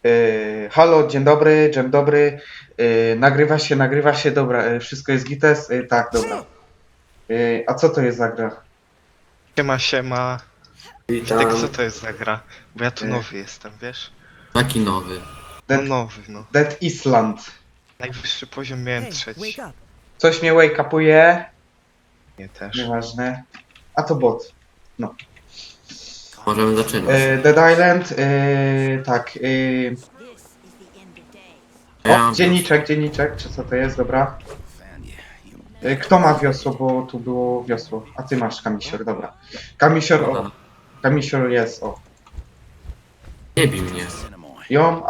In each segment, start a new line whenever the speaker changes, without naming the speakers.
Halo, dzień dobry. Nagrywa się, dobra, wszystko jest gites? Tak, dobra. A co to jest za gra?
Siema, siema. Witek, co
Witam.
to jest za gra? Bo ja tu
Y,
nowy jestem, wiesz?
Taki nowy.
No
Dead,
nowy, no.
Dead Island.
Najwyższy poziom miałem
Hey,
trzeci.
wake up.
Coś mnie wake-upuje?
Nie też.
Nieważne. A to bot.
Możemy zaczynać.
Dead Island, tak.
Ja
O,
mam
dzienniczek, czy co to jest, dobra. Kto ma wiosło, bo tu było wiosło. A ty masz kamisior, dobra. Kamisior, o. Kamisior jest, o.
Nie bij mnie.
Ją,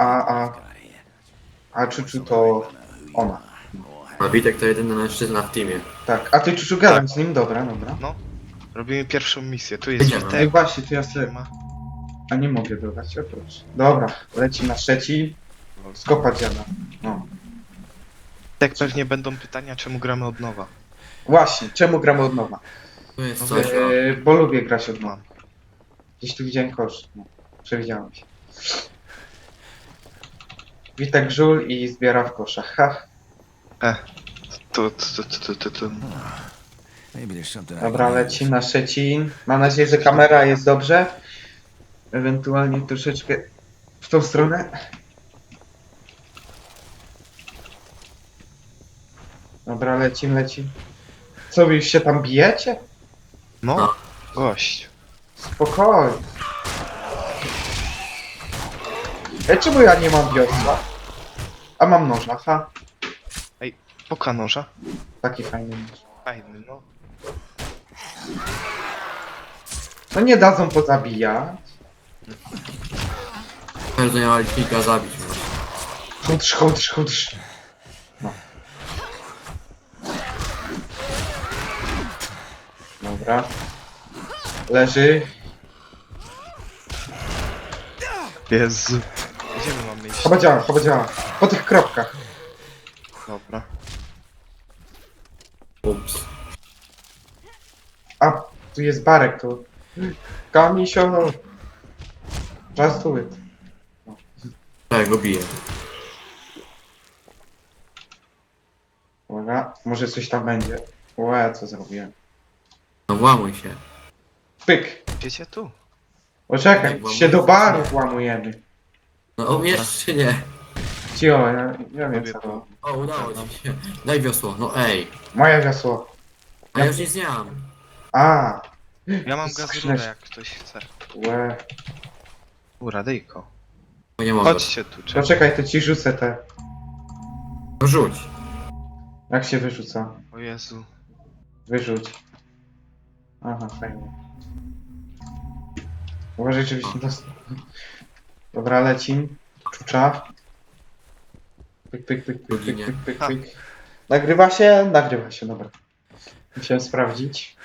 a Czuczu to ona.
A Witek to jedyny mężczyzna w teamie.
Tak, a ty Czuczu gadam z nim, dobra.
Robimy pierwszą misję. Tu jest
Idziemy.
Ej,
Witek.
właśnie, to ja sobie...
Siema.
A nie mogę dodać, o proszę. Dobra, leci na trzeci. Skopa dziada. No.
Witek, pewnie będą pytania, czemu gramy od nowa.
Właśnie, czemu gramy od nowa?
Tu jest coś o...
Bo lubię grać od nowa.
Mam.
Gdzieś tu widziałem kosz. No, przewidziałem się. Witek żul i zbiera w koszach. Ha.
Tu.
Maybe there's something I
Dobra,
can
leci na Szczecin. Mam nadzieję, że kamera jest dobrze. Ewentualnie troszeczkę w tą stronę. Dobra, lecim. Co, wy już się tam bijecie?
No,
No.
gość.
Spokojnie. Czemu ja nie mam wiosła? A mam noża, ha?
Poka noża.
Taki fajny nóż.
Fajny, no.
No nie dadzą pozabijać.
Każdy miał kilka zabić.
Chudrz. No. Dobra. Leży.
Jezu. Gdzie my mamy iść?
Chyba działa. Po tych kropkach.
Dobra.
Ups.
A, tu jest barek, tu. Kamisio. Just do it.
Tak, go biję.
Uwaga, może coś tam będzie. Łe, co zrobiłem.
No włamuj się.
Pyk.
Idziecie tu?
Poczekaj, się do baru włamujemy.
No umiesz czy nie?
Cio, ja wiem co to.
O, udało ci się. Daj wiosło. No ej.
Moje wiosło.
A ja już nic nie mam.
A,
Ja mam
Skrzyneczka.
gazurę, jak ktoś chce.
łe.
Radyjko.
Bo nie mogę.
Chodźcie tu, czekaj.
Poczekaj, to ci rzucę te.
No rzuć.
Jak się wyrzuca?
O Jezu.
Wyrzuć. Aha, fajnie. Uważaj, żebyś nie dostał. Dobra, lecim. Czucza. Pyk.
Ha.
Nagrywa się? Nagrywa się, dobra. Musiałem sprawdzić.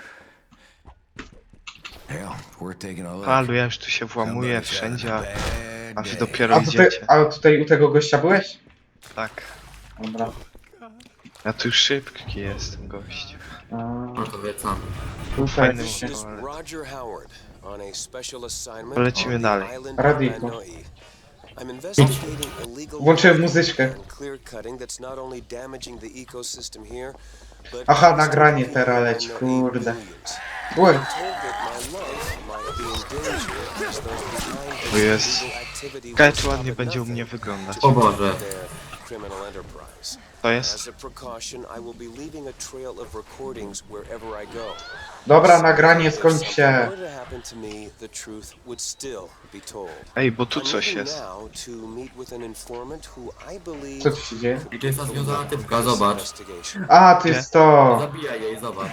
Hell, we're taking a look.
Palu, ja już tu się włamuję wszędzie, a wy dopiero
A tutaj,
idziecie.
tutaj u tego gościa byłeś?
Tak.
Dobra.
Ja tu szybki jestem, gość.
No to wracamy.
Tutaj
Fajny
się.
moment.
This is Roger Howard on a special assignment
Polecimy
on
dalej.
the island
Radiko.
of Lanoi. I'm investigating illegal
Włączyłem
logging
muzyczkę.
and clear cutting that's not only damaging the ecosystem here, but
Aha, nagranie teraz leci,
Lanoi
kurde.
millions.
Łe.
I'm told that my life might be in danger as those behind
O
this
jest.
illegal activity
Kaj
will
tu ładnie
stop at
będzie u mnie
nothing
wyglądać.
O Boże.
their criminal enterprise.
To jest?
As a precaution, I will be leaving a trail of recordings wherever I go.
Dobra, nagranie,
If
skończ
something
się.
were to happen to me, the truth would still be told.
Ej, bo tu
I'm
coś
leaving
jest.
now to meet with an informant who I believe
Co tu się dzieje?
I to jest ta związana typka,
this
zobacz.
investigation.
A, to jest to.
Zabijaj jej, zobacz.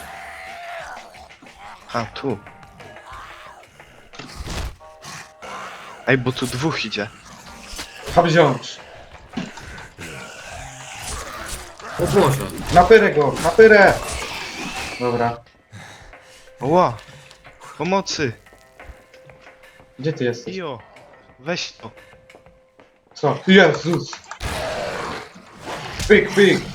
A, tu. Ej, bo tu dwóch idzie.
Hop wziąć.
O Boże.
Napyrę go, napyrę. Dobra.
Ła! Pomocy!
Gdzie ty jesteś?
Ijo! Weź to.
Co? Jezus! Pyk.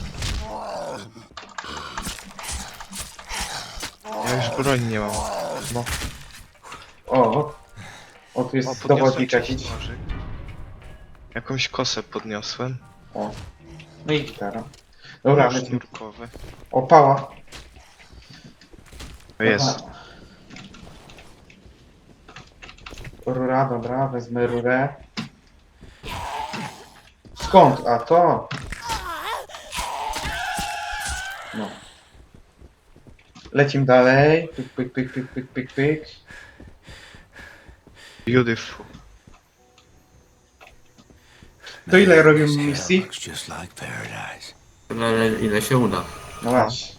Ja już broń nie mam. No.
O, tu
O,
jest
podniosłem
dowodnik
trzeci
jakiś.
nożyk. Jakąś kosę podniosłem.
O. No i gitara. Dobra, lecimy.
Sznurkowy.
O, pała.
To jest.
Dobra. Rura, dobra, wezmę rurę. Skąd? A to? No. Lecimy dalej. Pyk, pyk, pyk, pyk, pyk, pyk, pyk.
Beautiful.
To ile robimy
This hell
misji?
looks just like paradise.
Tyle, ile się uda.
No właśnie.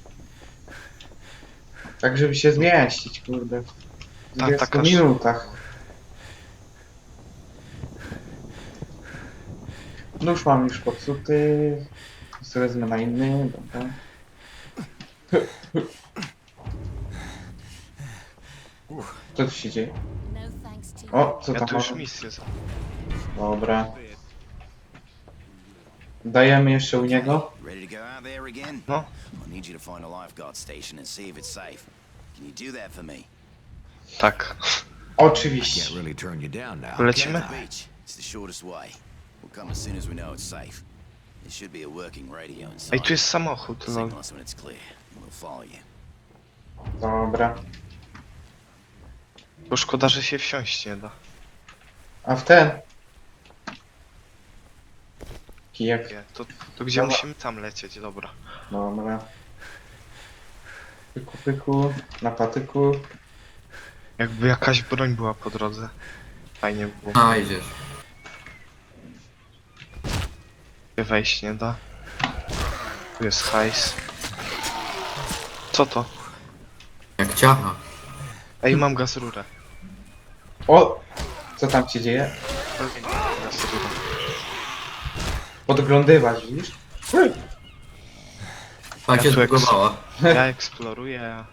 Tak, żeby się zmieścić, kurde. W
Ta,
20
taka
minutach. No już mam już popsuty. Sobie wezmę na inny, dobra. Co tu się dzieje?
No thanks to you.
O, co
Ja
tam
tu już
mamy?
misję za...
Dobra. Dajemy jeszcze u niego.
Ready to go out there again?
No.
I need you to find a lifeguard station and see if it's safe. Can you do that for me?
Tak.
Oczywiście.
Can't really turn you down now.
Lecimy?
The beach. It's the shortest way. We'll come as soon as we know it's safe. There should be a working radio inside.
Ej, tu jest samochód, lol.
Signal us when it's clear, and we'll follow you.
Dobra.
Bo szkoda, że się wsiąść nie da.
A w ten? Kijek.
Nie, to gdzie
Dobra.
musimy tam lecieć, dobra.
Dobra. Pyku, pyku. Na patyku.
Jakby jakaś broń była po drodze. Fajnie by było.
A, idziesz.
Gdzie wejść nie da. Tu jest hajs. Co to?
Jak ciacha.
Ej, mam gaz rurę.
O! Co tam się dzieje?
Gaz rurę.
Podglądywać, widzisz?
Tak
Ja
się
tu
zbugowała.
Ja eksploruję, a...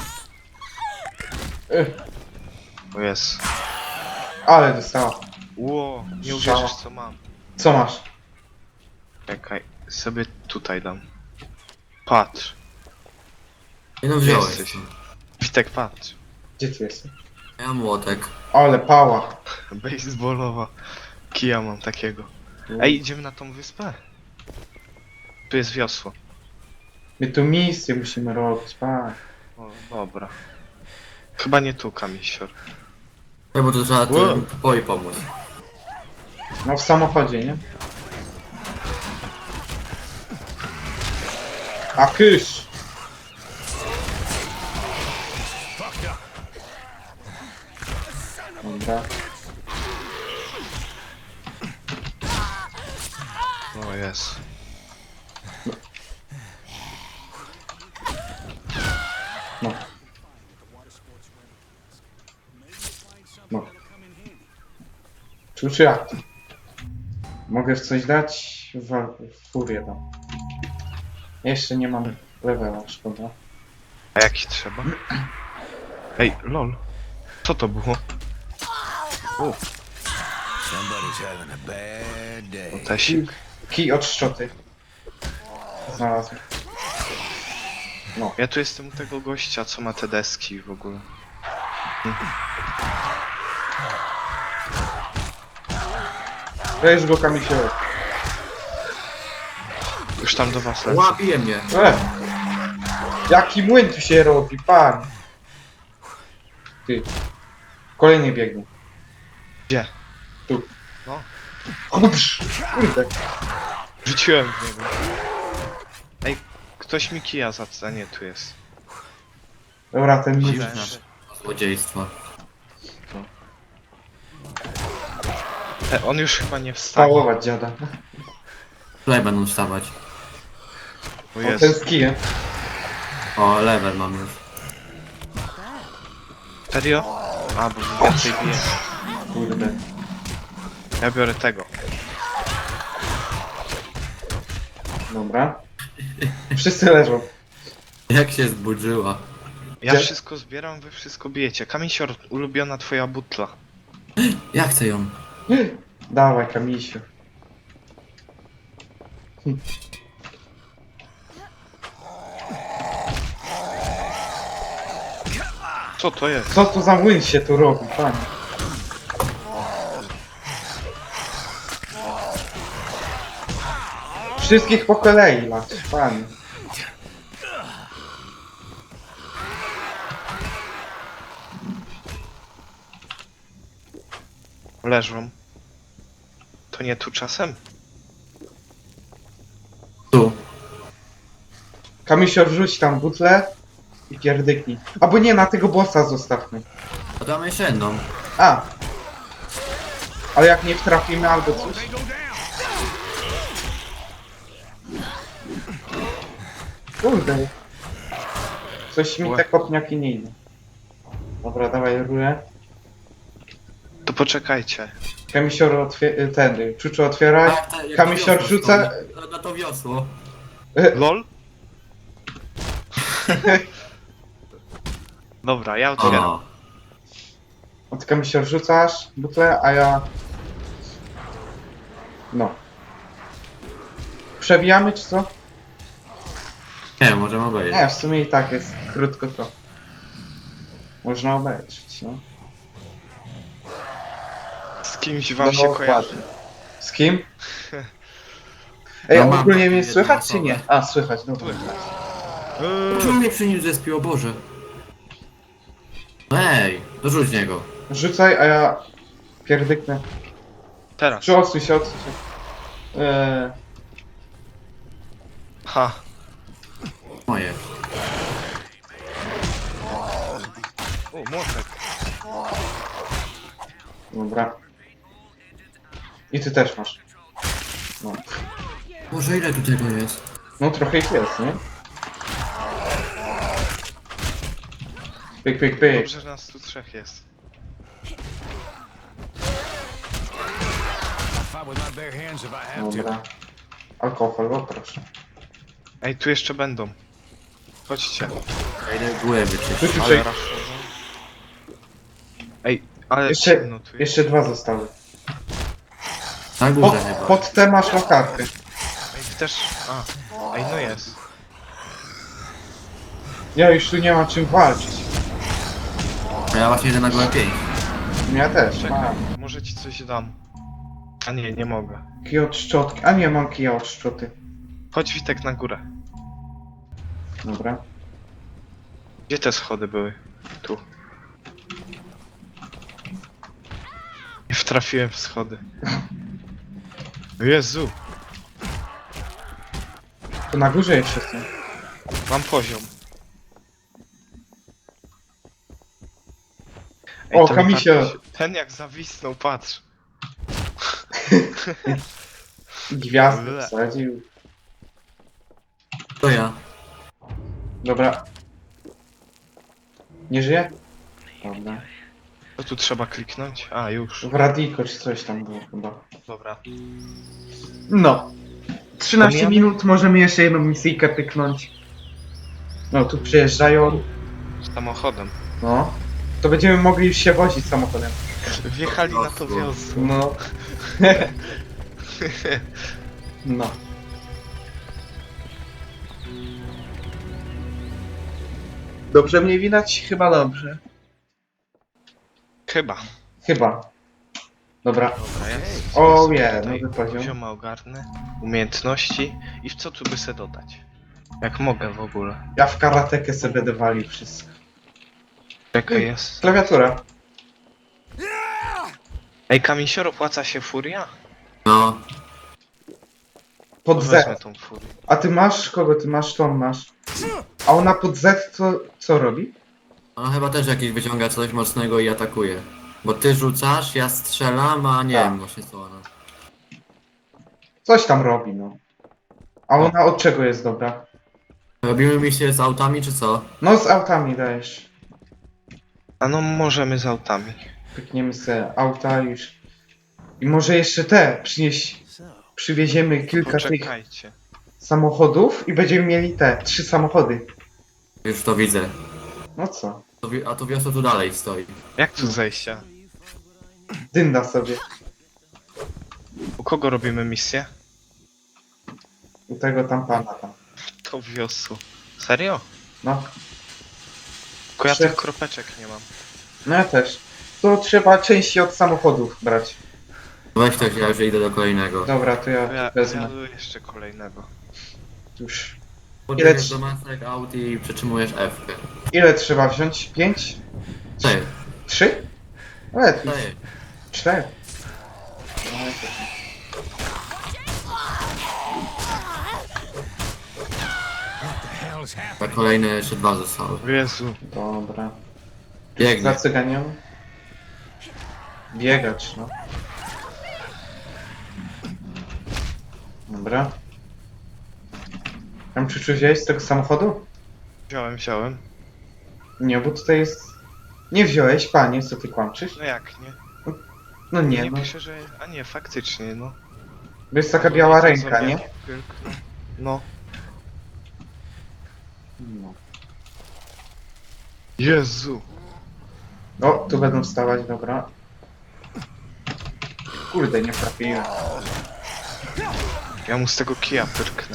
O jest.
Ale dostała.
Ło, nie
Strzała.
uwierzysz co mam.
Co masz?
Czekaj, sobie tutaj dam. Patrz.
Nie no, wziąłeś.
Jesteś. Witek, patrz.
Gdzie ty jesteś?
Ja mam młotek.
Ale pała.
Baseballowa. Kija mam takiego. Ej, idziemy na tą wyspę? Tu jest wiosło.
My tu misję musimy robić, pa.
O, dobra. Chyba nie tu, kamisior.
Ja, bo to trzeba
Wow.
tym poi pomóc.
No w samochodzie, nie? A kysz! Dobra.
O jest.
No. No. Czy jak? Mogę w coś dać? W furię dam. Jeszcze nie mam levela, szkoda.
A jaki trzeba? Ej, lol. Co to było? O,
Somebody's having a bad day.
tesik.
Kij od szczoty. Znalazłem.
Ja tu jestem u tego gościa, co ma te deski w ogóle.
Weź go kamisiorek.
Już tam do was lecę.
Łapie mnie.
Jaki młyn tu się robi, pan! Ty. Kolejny biegnie.
Gdzie?
Tu.
No.
Kurde.
Rzuciłem w niego. Ej, ktoś mi kija za nie, tu jest.
Dobra, ten
Dziwne.
młyn.
Złodziejstwa.
On już chyba nie wstanie.
Całować dziada.
Tutaj będą wstawać.
O
O, ten
jest.
z kijem.
O, level mam już.
Serio? A, bo więcej bije.
Kurde.
Ja biorę tego.
Dobra. Wszyscy leżą.
Jak się zburzyła.
Ja
Gdzie?
wszystko zbieram, wy wszystko bijecie. Kamisior, ulubiona twoja butla.
Ja chcę ją.
Dawaj, kamisiu.
Co to jest?
Co tu za młyn się tu robi, panie? Wszystkich po kolei lać, panie.
Leżą. To nie tu czasem?
Tu.
Kamisior, rzuć tam butlę i pierdyknij. Albo nie, na tego bossa zostawmy.
A tam jeszcze jedną.
A! Ale jak nie trafimy albo coś. Kurde. Coś mi te kopniaki nie idą. Dobra, dawaj rurę.
To poczekajcie.
Kamisior ten, Czuczu otwieraj.
jak
Kamisior
wiosło
rzuca...
stoi. Na to wiosło.
LOL? Dobra, ja otwieram.
O.
Od Kamisior rzucasz butlę, a ja... No. Przewijamy czy co?
Nie, możemy obejrzeć.
Nie, w sumie i tak jest krótko to. Można obejrzeć, no.
Z kimś wam się kojarzy.
dokładnie. Z kim? Ej,
No
a
mam
ogólnie
taką
mnie
jedną
słychać czy
osobę.
nie? A, słychać, dobra.
Czemu mnie przy nim zespił, o Boże? Ej, dorzuć niego.
Rzucaj, a ja pierdyknę.
Teraz.
Czy odsuń się, odsuń się.
Ha.
Moje.
O, młotek.
Dobra. I ty też masz. No.
Boże, ile tu tego jest?
No trochę ich jest, nie? Pyk, pyk, pyk.
Dobrze, że nas tu trzech jest.
Dobra. Alkohol, o proszę.
Ej, tu jeszcze będą. Chodźcie.
Ja idę głowę wyczyścić.
Czuciu,
Ale
czek.
raszowo. Ej, ale
Jeszcze,
ciemno tu jest.
jeszcze dwa zostały.
Na górze chyba.
Pod te masz latarkę.
Ej, ty też... A. Ej, no jest.
Ja już tu nie mam czym walczyć.
Ja właśnie idę na głowę 5.
Ja też,
Czekaj,
mam.
może ci coś dam. A nie, nie mogę.
Kij od szczotki. A nie, mam kija od szczoty.
Chodź Witek na górę.
Dobra.
Gdzie te schody były? Tu. Nie wtrafiłem w schody. Jezu,
To na górze jeszcze są.
mam poziom.
O,
ten
Kamisio.
tak- Ten jak zawisnął, patrz.
Gwiazdę
Ble.
wsadził.
To ja.
Dobra. Nie żyje? Dobra.
Co tu trzeba kliknąć? A, już.
W radiko czy coś tam było chyba.
Dobra.
No. 13
Pomijamy?
minut, możemy jeszcze jedną misyjkę pyknąć. No, tu przyjeżdżają.
Samochodem.
No. To będziemy mogli już się wozić samochodem.
Wjechali na to wiosło.
No. No. Dobrze mnie widać? Chyba dobrze.
Chyba.
Chyba. Dobra.
Dobra, jest.
O
Jest
nie,
tutaj
nowy poziom.
Pozioma ogarnę. Umiejętności. I w co tu by se dodać? Jak mogę w ogóle.
Ja w karatekę sobie będę walił wszystko.
Czekaj, jest.
Klawiatura.
Ej, Kamisior, opłaca się furia?
No.
Pod
Wezmę
Z.
tą furię.
A ty masz? Kogo ty masz? Tą masz. A ona pod Z co robi?
Ona chyba też jakiś wyciąga coś mocnego i atakuje. Bo ty rzucasz, ja strzelam, a nie
Tak.
wiem właśnie co ona.
Coś tam robi, no. A ona od czego jest dobra?
Robimy misję z autami, czy co?
No z autami dajesz.
A no, możemy z autami.
Pykniemy sobie auta już. I może jeszcze te przynieść. Przywieziemy kilka tych
Poczekajcie.
samochodów i będziemy mieli te 3 samochody.
Już to widzę.
No co?
A to wiosło tu dalej stoi.
Jak tu zejścia?
Dynda sobie.
U kogo robimy misję?
U tego tam pana tam.
To wiosło. Serio?
No.
Tylko ja
Trzy.
tych kropeczek nie mam.
No ja też. To trzeba części od samochodów brać.
Weź to, ja już idę do kolejnego.
Dobra, to ja
Ja
wezmę.
jeszcze kolejnego.
Już.
Podbiegniesz do masek aut i przytrzymujesz F.
Ile trzeba wziąć? 5?
4.
3? Lepiej.
4.
4.
A kolejne jeszcze 2 zostały.
Jezu.
Dobra.
Biegnie.
Za cyganią? Biegacz, no. Dobra. Tam czy wziąłeś z tego samochodu?
Wziąłem.
Nie, bo tutaj jest... Nie wziąłeś, panie, co ty kłamczysz?
No jak, nie?
No nie,
Nie
no.
pisze, że... A nie, faktycznie, no.
Bo jest taka biała ręka, nie?
No.
No.
Jezu.
O, tu będą wstawać, dobra. Kurde, nie trafiłem.
Ja mu z tego kija pyrknę.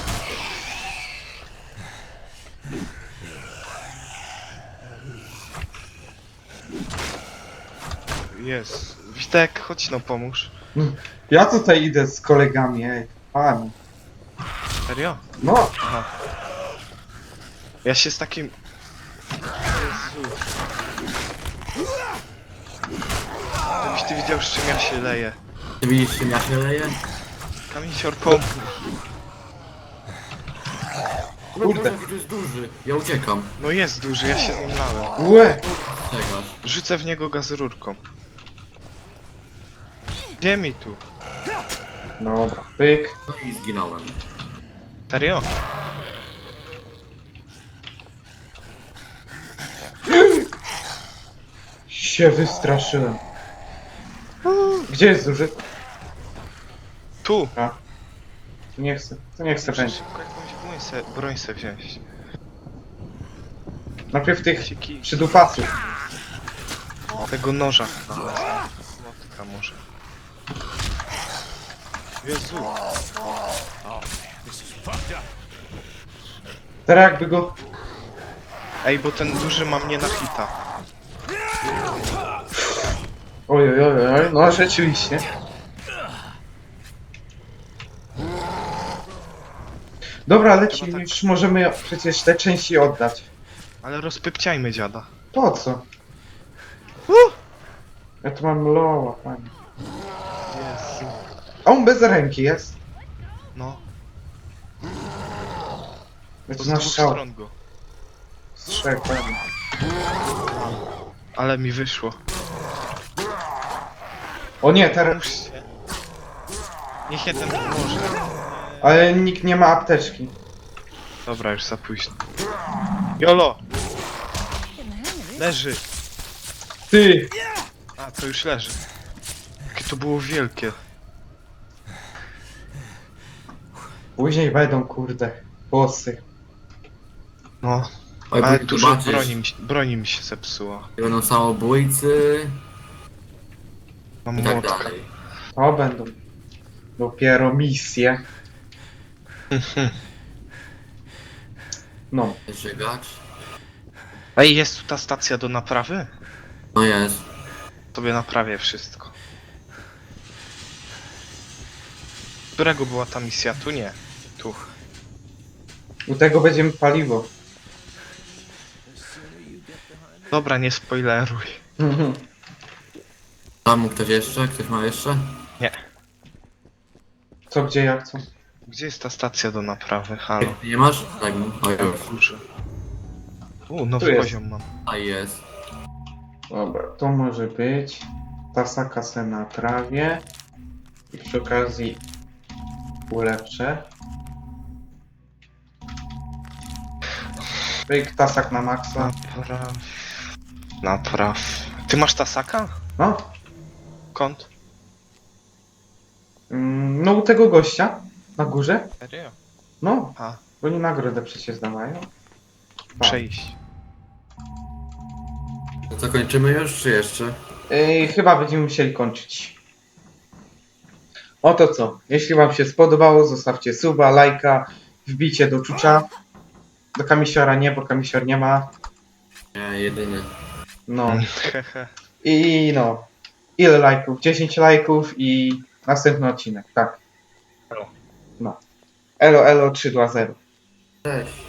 Jest. Witek, chodź no pomóż.
Ja tutaj idę z kolegami, ej. Pani.
Serio?
No,
Aha. Ja się z takim... Jezu. Gdybyś ty widział, z czym ja się leję.
Ty widzisz, czym ja się leję?
Kamisior, pomóż.
Kurde.
To jest duży. Ja uciekam.
No jest duży, ja się z nim lałem.
łe.
Czekasz.
Rzucę w niego gazururką. Gdzie mi tu?
Dobra, pyk.
No i zginąłem.
Serio?
Się wystraszyłem. Gdzie jest duży?
Tu!
A. To nie chcę
Muszę
będzie.
szybko jakąś broń se wziąć.
Najpierw tych
Się kij.
przydupasów.
Tego noża. Młotka może. Jezu.
Teraz jakby go...
Ej, bo ten duży ma mnie na hita.
Oj, oj, oj, oj, no rzeczywiście. Dobra, lecimy,
tak.
już możemy przecież te części oddać.
Ale rozpypciajmy dziada.
Po co? Ja tu mam loa, panie.
Jezu.
A on bez ręki jest.
No,
Ja
to
tu
z
na
dwóch
strzał.
stron go.
Strzał, panie.
Ale mi wyszło.
O nie, teraz...
Pomóżcie. Niech jeden pomoże.
Ale nikt nie ma apteczki.
Dobra, już za późno. Jolo! Leży!
Ty!
A, to już leży. Jakie to było wielkie.
Później będą, kurde, bossy.
No,
Oj,
ale
bo
dużo
zobaczysz,
broni mi się zepsuła.
będą samobójcy
Mam
i tak
młotka.
dalej.
O, będą. Dopiero misje. No.
Żygacz.
Ej, jest tu ta stacja do naprawy?
No jest.
Sobie naprawię wszystko. Którego była ta misja? Tu nie. Tu.
U tego będziemy paliwo.
Dobra, nie spoileruj.
Tam ktoś jeszcze? Ktoś ma jeszcze?
Nie.
Co, gdzie, jak, co?
Gdzie jest ta stacja do naprawy? Halo.
Nie masz? Tak, o już.
Kurczę.
Tu
Nowy
jest.
poziom mam.
A jest.
Dobra, to może być. Tasaka se na trawie. I przy okazji ulepszę. Pyk, tasak na maksa.
Napraw. Ty masz Tasaka?
No,
Kąt?
no u tego gościa na górze.
Serio?
No,
A,
bo oni nagrodę przecież dawają.
przejść.
To co, kończymy już, czy jeszcze?
Chyba będziemy musieli kończyć. Oto co. Jeśli wam się spodobało, zostawcie suba, lajka, wbicie do czucza. Do kamisiora nie, bo kamisior nie ma.
Nie, jedyny.
No.
Hehe.
I no. Ile lajków? 10 lajków i następny odcinek, tak.
Elo.
No. Elo, elo, 3-2-0.
Cześć.